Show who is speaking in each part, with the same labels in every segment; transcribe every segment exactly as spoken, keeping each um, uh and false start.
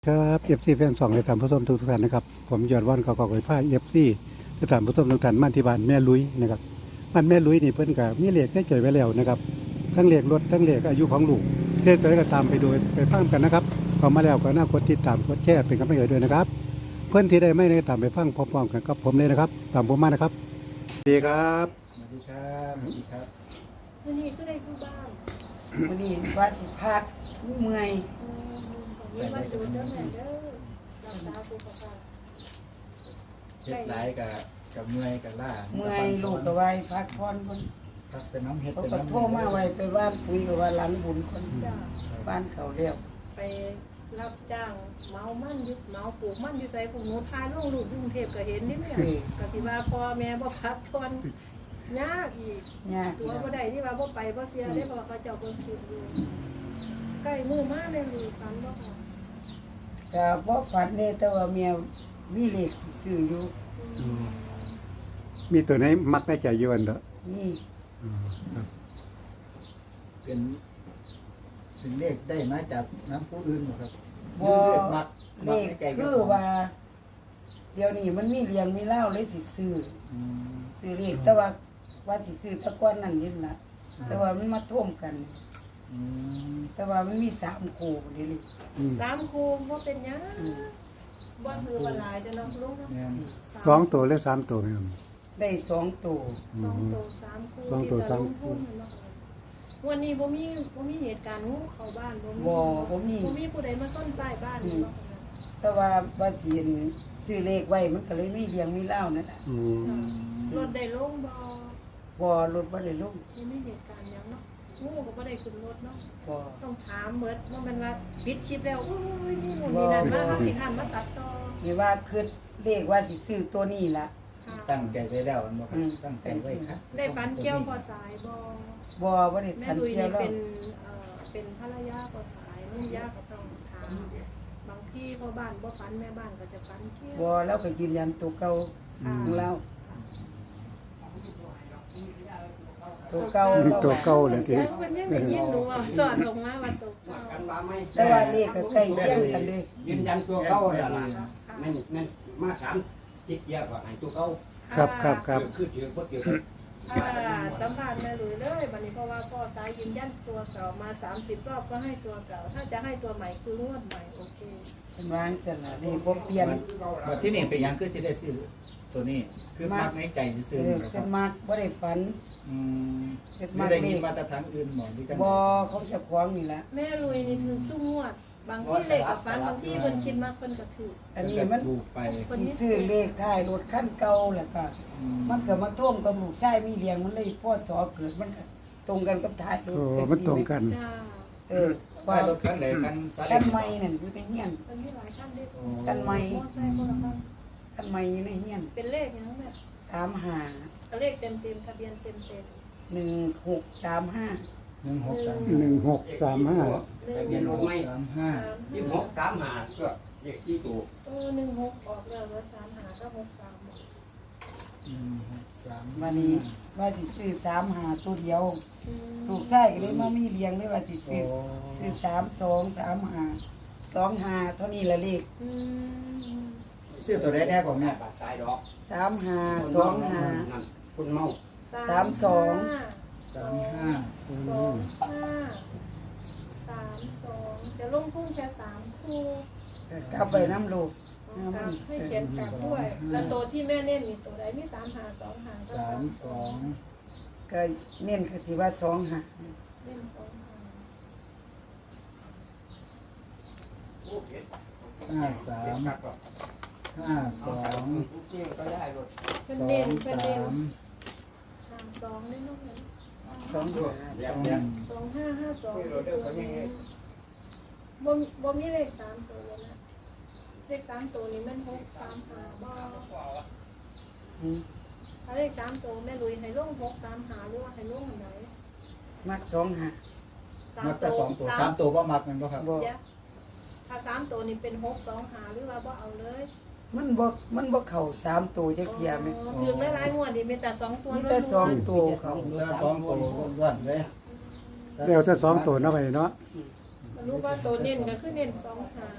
Speaker 1: ครับเอฟซีแฟนสองในฐานผู้ชมทุกท่านนะครับผมยอดวันกอกอยผ้าเอฟซีในฐานผู้ชมทุกท่านบ้านที่บ้านแม่ลุยนะครับบ้านแม่ลุยนี่เพิ่นกับมีเลขได้เจอไว้แล้วนะครับทั้งเลขรถทั้งเลขอายุของลูกเลขตัวนี้ก็ตามไปโดยไปฟังกันนะครับพอมาแล้วก็น่ากดติดตามกดแชร์เป็นกำลังใจด้วยนะครับเพื่อนที่ได้ไม่ได้ตามไปฟังพร้อมๆกันกับผมเลยนะครับตามผมมานะครับสวัสดีครับ
Speaker 2: สวัสดีครับสวัสดีครับ
Speaker 3: วันนี้ก็ได้ผู้บ้าน
Speaker 4: วันนี้ว่าสิพักเมื่อย
Speaker 3: อืมตอนนี้วันดูเด้อแม่เด้อรักษาสุขภาพ
Speaker 2: เฮ็ดหลายกับกับเมื่อยกับล่า
Speaker 4: เมื่อยลูกก็ไว้พักผ่อนคน
Speaker 2: ครับเป็นน้ำเฮ็ด
Speaker 4: เขา
Speaker 2: เป็น
Speaker 4: ก็
Speaker 2: น้ำ
Speaker 4: โทรมาไว้ไปบ้านคุยกับว่าหลังบุญคน
Speaker 3: จ้า
Speaker 4: บ้านเขาเรียก
Speaker 3: ไปรับจ้างเมามั่นอยุเมาปลูกมั่นอยู่ใส่ผมหนูทายลงลูกกรุงเทพก็เห็นนี่แม่ก็สิว่าพ่อแม่บ่พักผ่อนยากอีก
Speaker 4: ยาก
Speaker 3: ตัวบ่ได้ที่ว่าบ่ไปบ่เสียได้เพราะว่าเขาเจ้าเบิ่งคลิปอยู่ใกล้มือมาเลยลูกฝันบ่ค่ะ
Speaker 4: แต่บ่ฝันเด้แต่ว่าเมียมีเลขซื้ออยู่
Speaker 3: อืม
Speaker 1: มีตัวไหนมักได้ใจอยวนเด้อ
Speaker 4: นี่
Speaker 1: อืมครับ
Speaker 2: เป็นเป็นเลขได้มาจากน้ำผู้อื่นบ่ครับ
Speaker 4: บ่
Speaker 2: เลขมัก
Speaker 4: เล
Speaker 2: มัก
Speaker 4: ข
Speaker 2: ในใจ
Speaker 4: คือว่า เดี๋ยวนี้มันมีเลี้ยงมีเล่าเลยสิซื้อ
Speaker 2: อืม
Speaker 4: ซื้อเลขแต่ว่าว่าสิซื้อแตะก้อนนั่นนี่ล่ะแต่ว่ามันมาท่วมกัน
Speaker 2: อืม
Speaker 4: แต่ว่ามันมีสามคู่นี่เลย
Speaker 1: อืม
Speaker 3: สามคูบ่เป็นหยังบ่คือว่าหลายเด้อเนาะลูกเนาะ
Speaker 2: แม่น
Speaker 1: สองตัวหรือสามตัวไหมครับ
Speaker 4: ได้สองตัว
Speaker 3: สองตัวสามคู่
Speaker 1: สองตัว
Speaker 3: ที่จะ
Speaker 1: สาม
Speaker 3: ลงทุนเนาะวันนี้บ่มีบ่มีเหตุการณ์งูเข้าบ้านบ่มี
Speaker 4: บ่บ่มี
Speaker 3: บ่มีผู้ใดมาซ่อนป้ายบ้านเนาะ
Speaker 4: แต่ว่าว่าสิเห็นซื้อเลขไว้มันก็เลยมีเลี้ยงมีเล่านั่นแหละ
Speaker 1: อืม
Speaker 3: จ้ะรถได้ลงบ่
Speaker 4: บ่รถบ่ได้ลง
Speaker 3: บ่มีเหตุการณ์หยังเนาะงูก็บ่ได้ขึ้นรถเนาะ
Speaker 4: บ่
Speaker 3: ต้องถามเบิดว่ามันว่าปิดคลิปแล้วอุ้ยนี่นู่นนี่นั่นมาเฮาสิหันมาตัดต่อ
Speaker 4: นี่ว่าคือเลขว่าสิซื้อตัวนี้ล่ะ
Speaker 3: ค่ะ
Speaker 2: ตั้งใจไว้แล้วอันบ่ครั
Speaker 4: อื
Speaker 2: บ
Speaker 4: ม
Speaker 2: ตั้งใจไว้ครับ
Speaker 3: ได้ฝันเกี่ยวพอสายบ่
Speaker 4: บ่บ่ได้
Speaker 3: แม่
Speaker 4: พัน
Speaker 3: ลุย
Speaker 4: เที่ยว
Speaker 3: นี่
Speaker 4: แล้ว
Speaker 3: เป็นเอ่อเป็นภรรยาพอสายนุ่นยาก็ต้องถามบางที่พ่อบ้านบ่ฝันแม่บ้านก็จะฝันเกี่ยว
Speaker 4: บ่แล้วก็ยืนยันตัวเก่าของเราตัวเก่าเรา
Speaker 1: ตัวเก่าเลยที
Speaker 3: เสียงมันยังได้ยินหนูว่าสอนออกมาว่าตัวเก่า
Speaker 4: แต่ว่าเลขก็ใกล้เคียงกันเลย
Speaker 5: ยืนยันตัวเก่าแล้วล่ะนั่นนั่นมาถามจิตเกียร์ก็ให้ตัวเก่า
Speaker 1: ครับครับครับ
Speaker 5: คือถือคนเดียวกัน
Speaker 3: อ่าสัมภาษณ์แม่ลุยเลยบัดนี้เพราะว่าพ่อสายยืนยันตัวเก่ามาสามสิบรอบก็ให้ตัวเก่า ถ้าจะให้ตัวใหม่คืองวดใหม่โอเค
Speaker 4: เป็นว่าจังซั่นล่ะนี่บ่เปลี่ยน
Speaker 2: บัดที่นี่เป็นหยังคือสิได้ซื้อตัวนี้ คือมักในใจ
Speaker 4: เอ
Speaker 2: ซื่อ
Speaker 4: อ
Speaker 2: ๆนะค
Speaker 4: เป็
Speaker 2: รับ
Speaker 4: นมากบ่ได้ฝัน
Speaker 2: อืม
Speaker 4: เป็น
Speaker 2: ไม่
Speaker 4: มาก
Speaker 2: ได้
Speaker 4: เล
Speaker 2: ยิน
Speaker 4: ข
Speaker 2: มาตรฐานอื่นหมอที่จัง
Speaker 4: บ่เขาเจะคว้าของนี่ล่ะ
Speaker 3: แม่ลุยนี่ถือสู้งวด บางที่เลขกับฟันบางที่เพิ่นคิดมากเพิ่นก็ถือ
Speaker 4: อันนี้มัน
Speaker 2: ถูกไป
Speaker 4: สิซื้อเลขท้ายรถคันเก่าแล้วก็
Speaker 2: อืม
Speaker 4: มันก็มาท่วมกับลูกชายมีเลี้ยงมันเลยพ่อสอเกิดมันก็ตรงกันกับท้ายรถ
Speaker 1: โอ้มันตรงกัน
Speaker 3: จ้า
Speaker 4: เออ
Speaker 2: ป้า
Speaker 4: ว่าย
Speaker 2: รถคันไหนคันซา
Speaker 4: คั
Speaker 2: เล้
Speaker 4: น
Speaker 2: ง
Speaker 4: ใหม่นั่นอยู่ในเฮียน
Speaker 3: เพิ่นมีหลายขั้นเด้
Speaker 4: คันใหม่
Speaker 3: มอไซค์คนละคัน
Speaker 4: คันใหม่อยู่ในเฮียน
Speaker 3: เป็นเลขหยังแม่
Speaker 4: สามห้า
Speaker 3: ก็เลขเต็มๆทะเบียนเต็ม
Speaker 4: หนึ่งหกสามห้า
Speaker 2: หนึ่งหกสาม
Speaker 1: หนึ่งหกสามห้า
Speaker 3: ๆหนึ่
Speaker 5: ทะเบียน
Speaker 3: ง
Speaker 5: รถไม่
Speaker 2: สามห้า
Speaker 5: ยี่หกสามหาก็เลขที่ตัว
Speaker 3: เออหนึ่งหกออกแล้วเหลือสามหาก็หกสาม
Speaker 2: หนึ่งหกสาม
Speaker 4: วันนี้ว่าสิซื้อสามห้าตัวเดียว
Speaker 3: อืม
Speaker 4: ลูกชายก็เลยมามีเลี้ยงเลยว่าสิซื้อซื้อสามสองสามห้าสองห้าเท่านี้ละเลข
Speaker 3: อืม
Speaker 2: ซื้อตัวแรกแน่ของแม่
Speaker 5: บาดตายดอก
Speaker 4: สามห้าสองห้า
Speaker 5: นั่นคุณเมา
Speaker 4: สามสอง
Speaker 2: สามห้า
Speaker 3: สองห้าสามสองจะลงทุนแค่สามคู่
Speaker 4: กลับไปน้ำลูก
Speaker 3: กลับให้เขียนกลับด้วย แล้วตัวที่แม่เน้นนี่ตัวใดมีสามหาสองหาก็
Speaker 2: สามสอง
Speaker 4: ก็เน้นคือสิว่าสองห้า
Speaker 3: เล่นสองหา
Speaker 2: ห้าสามห้าสอง
Speaker 5: ก็ได้รถ
Speaker 3: เพิ่น
Speaker 2: สอ
Speaker 3: เน้น
Speaker 2: ง
Speaker 3: เพิ่น
Speaker 2: สา
Speaker 3: เน้น
Speaker 2: ม
Speaker 3: หาสองเล่นน้องเห็น
Speaker 4: สองห้าสอง
Speaker 3: สองห้าห้าสองตัวนี้บ่บ่มีเลขสามตัวเลยนะเลขสามตัวนี้มันหกสามหาบ่
Speaker 4: อืม
Speaker 3: ถ้าเลขสามตัวแม่ลุยให้ลงหกสามหาหรือว่าให้ลงอันไหน
Speaker 4: มักสองห้า
Speaker 2: มักแต่สองตัวสามตัวว่ามักมันบ่ครับ
Speaker 4: บ่
Speaker 3: เดี๋ยวถ้าสามตัวนี้เป็นหกสองหาหรือว่าบ่เอาเลย
Speaker 4: มันบ่มันบ่เข้าสามตัวจักเที่ยแม่
Speaker 3: ถือหลายๆงวดนี่มีแต่สองตัว
Speaker 4: มีแต่สองตัวเขา
Speaker 2: เหลือสองตัวล้วนๆเลย
Speaker 1: เร็วจะสองตัวเนาะไปเนาะ
Speaker 3: สรุปว่าตัวเน้นก็คือเน้นสองหา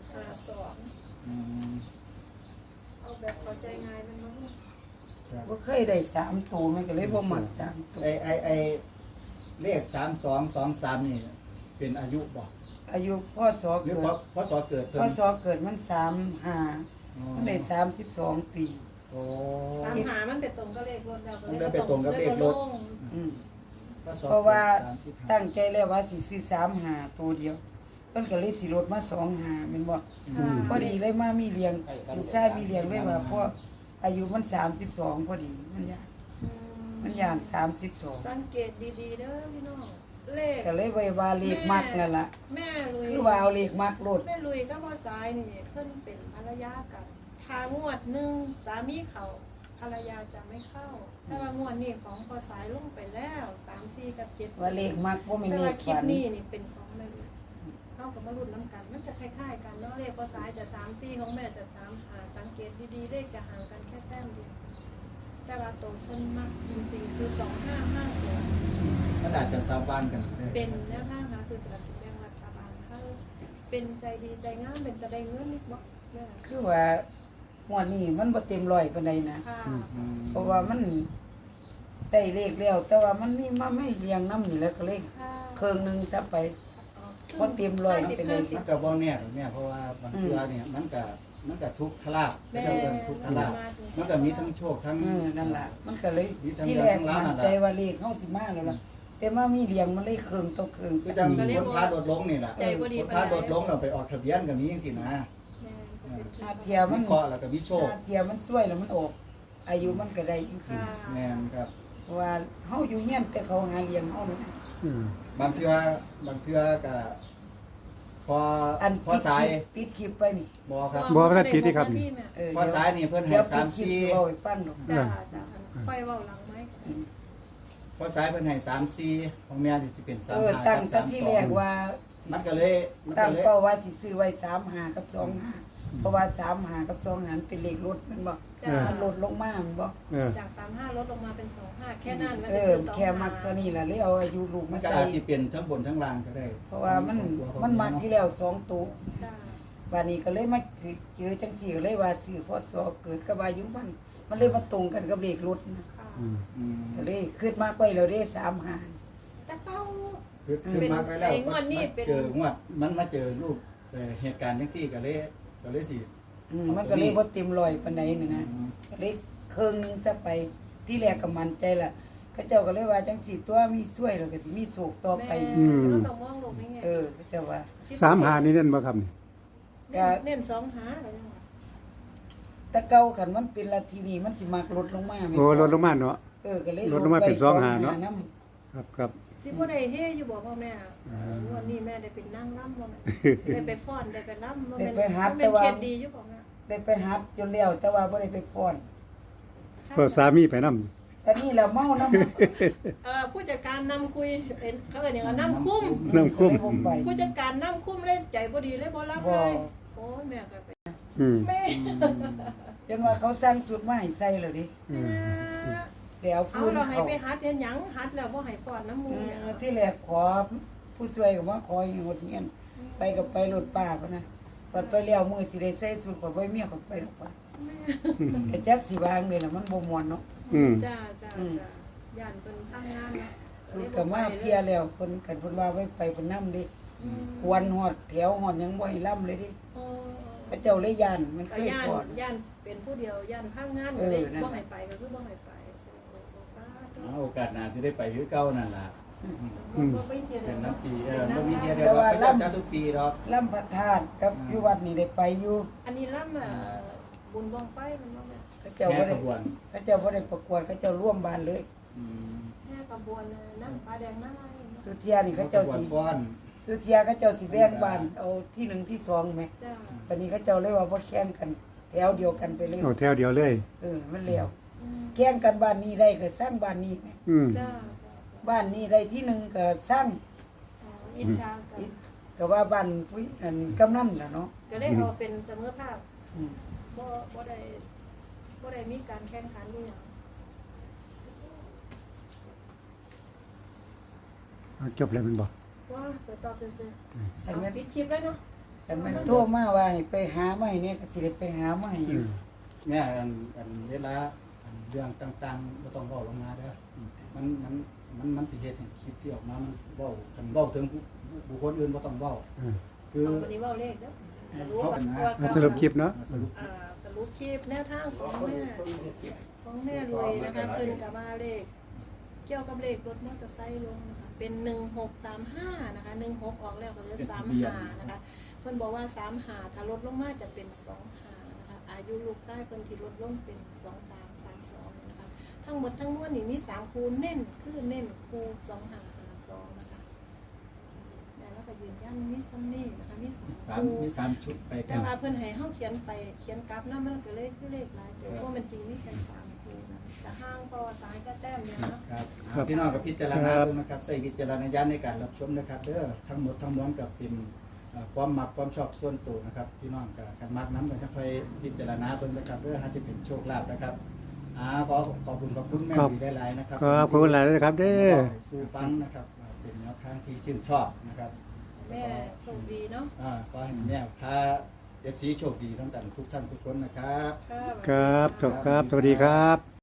Speaker 3: ห้าสอง
Speaker 2: อืม
Speaker 3: เอาแบบเข้าใจง่ายมันมั้ง
Speaker 2: ครับ
Speaker 4: บ่เคยได้สามตัวมันก็เลยบ่มักสามตัว
Speaker 2: ไอไอไอเลขสามสองสองสามนี่เป็นอายุบ่
Speaker 4: อายุพ่อสอ
Speaker 2: หรือ
Speaker 4: เกิ
Speaker 2: เพ
Speaker 4: ด
Speaker 2: ราะเพราะสอเกิดเพิ่
Speaker 4: พ่อน สอเกิดมันสามห้า
Speaker 2: อ๋อ
Speaker 4: มันได้สามสิบสองปี
Speaker 2: โอ้
Speaker 3: ตามหามันไปตรงกับเลขรถแล้ว
Speaker 2: มันเลยไปตรงกับเลขรถ
Speaker 4: อืม
Speaker 2: พศ
Speaker 4: เพราะว่า
Speaker 2: สามสิบห้า
Speaker 4: ตั้งใจแล้วว่าสิซื้อสามห้าตัวเดียวเพิ่นก็เลยสิลดมาสองห้าแม่นบ่
Speaker 3: ค่ะ
Speaker 4: พอดีเลยมามีเลี้ยงลูกชายมีเลี้ยงเลยว่าเพราะอายุมันสามสิบสองพอดีมันย่าง
Speaker 3: อื
Speaker 4: มันย่างสามสิบสอง
Speaker 3: สังเกตดีๆเด้อพี่น้องเลข
Speaker 4: ก็เลยไว้ว่าเลขมักนั่นล่ะ
Speaker 3: แม่ลุย
Speaker 4: คือว่าเอาเลขมักโลด
Speaker 3: แม่ลุยก็บ่ซ้ายนี่เพิ่นเป็นภรรยากันถ้างวดหนึงสามีเขาภรรยาจะไม่เข้าแต่ว่างวดนี้ของพอสายลงไปแล้วสาม สี่กับเจ็ด
Speaker 4: ว่าเลขมักบ่แม่น
Speaker 3: แต่
Speaker 4: เล
Speaker 3: ว่า
Speaker 4: ข
Speaker 3: คลิป
Speaker 4: ฝัน
Speaker 3: นี้นี่เป็นของแม่ลุยเข้ากับมารุ่นน้ำกัน มันจะคล้ายๆกันเนาะเลขพอสายจะสาม สี่ของแม่จะสามหาสังเกตดีๆเลขจะห่างกันแค่แต้มเดียวแต่ว่าตัวเพิ่นมักจริงๆคือสองห้าห้าสอง
Speaker 2: มันอาจจะสาบานกันได้
Speaker 3: เป็นแนวทางหาซื้อสลากกินแบ่งรัฐบาลเขาเป็นใจดีใจงามเป็นตะได้เงินนิดบ่แม่
Speaker 4: คือว่าหัวดนี้มันบ่เต็มร้อยปานใดนะ
Speaker 3: ค่ะ
Speaker 2: อืม
Speaker 4: เพราะว่ามันได้เลขแล้ว แต่ว่ามันมีมาไม่เรียงน้ำนี่แล้วก็เลข
Speaker 3: ค่ะ
Speaker 4: เครื่องหนึงซะไป
Speaker 3: อ๋อ
Speaker 4: บ่เต็มร้อย
Speaker 3: ห้าสิบ
Speaker 4: เป็นไร
Speaker 3: ห้าสิ
Speaker 2: มั
Speaker 3: บ
Speaker 2: นก็บ่แน่หรอกเนี่ยเพราะว่าบางเทื่อเนี่ยมันก็มันก็ทุกขลาบ
Speaker 3: แม่
Speaker 2: เจ้าเอิ้นทุกขลาบมันก็มีทั้งโชคทั้ง
Speaker 4: เออนั่นล่ะ มันก็เลย
Speaker 2: มีทั้ง
Speaker 4: ที่แรก
Speaker 2: เรื่องทั้งราว
Speaker 4: มัน
Speaker 2: นั่นล่ะ
Speaker 4: ใจว่าเลขเฮาสิมาแล้วล่ะ แต่มามีเรียงมันเลยเครื่องต่อเครื่อง
Speaker 2: คือจังคนพาโดดลงนี่แหละ
Speaker 3: ใจบ่ดี
Speaker 2: คน
Speaker 3: ปาน
Speaker 2: พา
Speaker 3: ใด
Speaker 2: โดดลงเราไปออกทะเบียนกับนี้จังซี่นะ
Speaker 3: แม่จะเป็น
Speaker 4: อาเทีย
Speaker 2: มั
Speaker 4: มัน น
Speaker 2: เคาะแล้วก็มีโชค
Speaker 4: อาเทียมันสวยแล้วมันออก อายุมันก็ได้จังซี่
Speaker 3: ค่ะ
Speaker 2: แม่นครับ
Speaker 4: เพราะว่าเฮาอยู่เฮียนแต่เขาหาเลี้ยงเฮานั่นน่ะ
Speaker 1: อืม
Speaker 2: บางเทื่อบางเทื่อก็พอ
Speaker 4: อัน
Speaker 2: พอสาย
Speaker 4: ปิดคลิปไปนี่
Speaker 2: บ่ครับ
Speaker 1: บ่ทันปิดที่ครับนี่
Speaker 4: เออ
Speaker 2: พอสายนี่เพิ่นให้
Speaker 4: เดี๋ยว
Speaker 2: สาม
Speaker 4: ปิดคลิป
Speaker 2: สี่
Speaker 4: สิเอาให้ฟังดอก
Speaker 3: จ้าจ้าค่อยเว้าหลังไหม
Speaker 4: อืม
Speaker 2: พอสายเพิ่นให้สามสี่ของแม่นี่สิเป็นสาม
Speaker 4: เออ
Speaker 2: ห้า
Speaker 4: ตั้ง
Speaker 2: กับ
Speaker 4: แต่
Speaker 2: สาม
Speaker 4: ที่
Speaker 2: สอ
Speaker 4: แรง กว่า
Speaker 2: มันก็เลยมัน
Speaker 4: ตั้
Speaker 2: ก็
Speaker 4: ง
Speaker 2: เลย
Speaker 4: เป้าว่าสิซื้อไว้สามห้ากับสองห้าเพราะว่าสามห้ากับสองห้าเป็นเลขรถแมันบ่
Speaker 3: จ้า
Speaker 4: มันลดลงมาแมันบ่
Speaker 1: เออ
Speaker 3: จากสามห้าลดลงมาเป็นสองห้าแค่นั้นมัน
Speaker 4: เอ
Speaker 3: จะ
Speaker 4: อ
Speaker 3: ซื้อสอง
Speaker 4: แค่มักเท่านี้ล่ะเลยเอาอายุลูก
Speaker 2: มั
Speaker 4: มาน
Speaker 2: ก็
Speaker 4: ใส่
Speaker 2: อาจสิเป็นทั้งบนทั้งล่างก็ได้
Speaker 4: เพราะว่ามันมันมักอยู่แล้วสองตัว
Speaker 3: จ้า
Speaker 4: วันนี้ก็เลยมาเจอจังสี่ก็เลยว่าซื้อพศเกิดกับอายุมัน มันเลยมาตรงกันกับเลขรถนะ
Speaker 3: ค่ะ
Speaker 1: อืม
Speaker 2: อืม
Speaker 4: ก็เลยขึ้นมากไปแล้วได้สามหาร
Speaker 3: แต่เจ้า
Speaker 2: คือคือมาไปแล้ว
Speaker 3: ไอ้งวดนี้เป็น
Speaker 2: เจองวดมันมาเจอรูปเอ่อเหตุการณ์จังซี่ก็เลยก็เลยสิ
Speaker 4: อืมมันก็เลยบ่เต็มร้อยปานใดนี่นะก็เลยเครื่องหนึงซะไปที่แรกก็มั่นใจล่ะเขาเจ้าก็เลยว่าจังสี่ตัวมีช่วยแล้วก็สิมีโศกต่อไป
Speaker 3: แม่จะต้องมองโลกนี้ไง
Speaker 4: เออเขาเจ้าว่า
Speaker 1: สามหานี่เน่นบ่ครับนี่
Speaker 3: เน้นเน้นสองหาอะไรอย่างเงี้ย
Speaker 4: แต่เก่าคันมันเป็นละทีนี้มันสิมักลดลงมาแม่น
Speaker 1: โอ้ลดลงมาเนาะ
Speaker 4: เออก็เลย
Speaker 1: ลดลงมาเป็น
Speaker 4: ไว้
Speaker 1: สองหาเนาะ
Speaker 4: น
Speaker 1: ครับครับ
Speaker 3: สิบ่ได้เฮอยู่บอกพ่อแม่เออวันนี้แม่ได้เป็นนั่งร่ำบ่แม่ได้ไปฟ้อนได้ไปร่ำบ่แม่นเป็นเกียรติดีอยู่บอกแม่
Speaker 4: ได้ไปหัดจนแล้วแต่ว่าบ่ได้ไปฟ้อน
Speaker 1: เพราะสามีไปนำ
Speaker 4: ตอนนี้เราเมานำ
Speaker 3: เอ่อผู้จัดการนำคุยเอ็นเขาเรียกว่าน้ำคุ้ม
Speaker 1: น้ำคุ้ม
Speaker 4: เลยบ่ไป
Speaker 3: ผู้จัดการน้ำคุ้มเล่นใจบ่ดีเลยบ่รับเลยโอ้ยแม่ก็ไป
Speaker 1: อืม
Speaker 3: แม่
Speaker 4: จนว่าเขาสร้างสุดมาให้ใส่แล้วดิ
Speaker 1: อืม
Speaker 4: เดี๋ยว
Speaker 3: เอา
Speaker 4: พื้น
Speaker 3: เราให้
Speaker 4: เขา
Speaker 3: ไปหัดเฮ็ดหยังหัดแล้วบ่ให้ฟ้อนน้ำมู
Speaker 4: เอ
Speaker 3: เนี่ย
Speaker 4: อที่แรกขอผู้ช่วยก็ว่าขออยู่หดเงียนไปกับไปรถป้าพุ่นนะปัดไปแล้วมือสิได้ใส่สุดกว่าบ่เมียก็ไปดอกว่าแต่จักสิวางนี่ล่ะมันบ่ม่วนเนาะ
Speaker 1: อืม
Speaker 3: จ้าจ้าจ้าย่านเพิ่นทำงานเนาะ
Speaker 4: สุดก็มาเพียแล้วเพิ่นกันเพิ่นว่าไว้ไปเพิ่นนำดิ
Speaker 3: อืม
Speaker 4: ควนฮอดแถวฮอดยังบ่ให้ล่ำเลยดิ
Speaker 3: โอ้
Speaker 4: พระเจ้าเลยย่านมันเค
Speaker 3: ก็
Speaker 4: ย
Speaker 3: ย่าน
Speaker 4: ก่อน
Speaker 3: ย่านเป็นผู้เดียวย่านทำงาน
Speaker 4: เอ
Speaker 3: ก็
Speaker 4: อ
Speaker 3: เลย
Speaker 4: นั่น
Speaker 3: บ่ให้ไปก็คือบ่ให้ไปป้า
Speaker 2: เอาโอกาสหน้าสิได้ไปคือเก่านั่นล่ะ
Speaker 3: บ่บ่ไปเที่ยว
Speaker 2: เป็น
Speaker 3: เนาะ
Speaker 2: น้ำปีเออบ่มีเที่ยวเดียวว่าเขาจะจัดทุกปีดอก
Speaker 4: ล่ำพระธาตุกับอยู่วัดนี่ได้ไปอยู่
Speaker 3: อันนี้ล่ำอ่ะบุญบ้องไฟมันบ่แม่
Speaker 4: พระเจ้า
Speaker 2: แค่
Speaker 4: บ่
Speaker 2: ข
Speaker 4: ได้
Speaker 2: บวน
Speaker 4: พระเจ้าบ่ได้ประกวดพระเจ้าร่วมบ้านเลย
Speaker 2: อืม
Speaker 3: แม่กระบวนน่ะน้ำปลาแดงน้ำอะไรเนาะ
Speaker 4: สุเทียนี่เขาเจ้า
Speaker 2: ขบวน
Speaker 4: สิ
Speaker 2: ฟ้อน
Speaker 4: สุเทียเขาเจ้าสิแบ่งบ้านเอาที่หนึ่งที่สองแหม
Speaker 3: จ้า
Speaker 4: วันนี้เขาเจ้าเลยว่าบ่แข่งกัน แถวเดียวกันไปเลย
Speaker 1: เอาแถวเดียวเลย
Speaker 4: เออมันแล้ว
Speaker 3: อืม
Speaker 4: แข่งกันบ้านนี้ได้ก็สร้างบ้านนี้แหม
Speaker 1: อืม
Speaker 3: จ้าจ้า
Speaker 4: บ้านนี้ได้ที่หนึ่งก็สร้าง
Speaker 3: อ๋ออิจฉากัน
Speaker 4: อีกก็ว่าบ้านผู้อันกำนันล่ะเนาะ
Speaker 3: ก็ได้เอาเป็นเสมอภาพ
Speaker 4: อืม
Speaker 3: บ่บ่ได้บ่ได้มีการแข่งขันอีหยัง
Speaker 1: เอาจบแล้วแมันบ่
Speaker 3: ว่าสต็อปซื่อ
Speaker 4: อัน
Speaker 3: ๆ
Speaker 4: แม่น
Speaker 3: ปิดคลิปเลยเนาะ
Speaker 4: อกันแม่นโทรมาว่าให้ไปหามาให้เนี่ยก็สิได้ไปหามาให้อยู่
Speaker 2: แม่อันอันเวลาอันเรื่องต่างๆบ่ต้องเว้าลงมาเด้ออืมมันมันมันมันสิเฮ็ดให้คลิปที่ออกมามันเว้าคันเว้าถึงผู้บุคคลอื่นบ่ต้องเว้า
Speaker 1: อืม
Speaker 2: คือ
Speaker 3: เอาวันนี้เว่าเลขเด้อสรุป
Speaker 2: เขา
Speaker 3: ว่า
Speaker 2: เป็นนะ
Speaker 3: ตัว
Speaker 1: สรุปคลิปเนาะ
Speaker 2: สรุป
Speaker 3: อ่าสรุปคลิปแนวทางของแม่ของแม่รวยนะคะเพิ่นกับว่าเลขเกี่ยวกับเลขรถมอเตอร์ไซค์ลงนะคะเป็นหนึ่งหกสามห้านะคะหนึ่งหกออกแล้วก็เหลือสามห้านะคะเพิ่นบอกว่าสามห้าถ้าลดลงมาจะเป็นสองห้านะคะอายุลูกชายเพิ่นที่ลดลงเป็นสองสามสามสองนะคะทั้งหมดทั้งมวลนี่มีสามคูเน้นคือเน้นคูสองห้าห้าสองนะคะแล้วก็ยืนยันมีซัมนี่นะคะมีสาม
Speaker 2: สาม
Speaker 3: คู
Speaker 2: มีสามชุดไปกั
Speaker 3: แต่
Speaker 2: น
Speaker 3: ว่าเพิ่นให้เฮาเขียนไปเขียนกราฟนำมันก็เลยคือเลขหลายตัวเพราะมันจริงมีแค่สามคูนะจะห่างพอสายก็แต้มเดียวเนาะ
Speaker 2: ครับ
Speaker 1: ครับ
Speaker 2: พี่น้องกับพิจารณา
Speaker 1: ครับ
Speaker 2: ดูนะครับใส่วิจารณญาณในการรับชมนะครับเด้อทั้งหมดทั้งมวลกับเป็นเอ่อความมักความชอบส่วนตัวนะครับพี่น้องกับกันมักน้ำกันจะค่อยพิจารณาเบิ่งนะครับเด้อถ้าจะเป็นโชคลาภนะครับอ่าขอขอบคุณขอบคุณแม่
Speaker 1: ครับ
Speaker 2: ดีหลายๆนะครับ
Speaker 1: ขอบคุณหลายนะครับเด้อ
Speaker 2: สู่ฟังนะครับว่าเป็นแนวทางที่ชื่นชอบนะครับ
Speaker 3: แม่โชคดีเนาะ
Speaker 2: อ่าขอให้แม่พาเอฟซีโชคดีทั้งกันทุกท่านทุกคนนะครับ
Speaker 3: ค่ะ
Speaker 1: ครับจบครับ สวัสดีครับ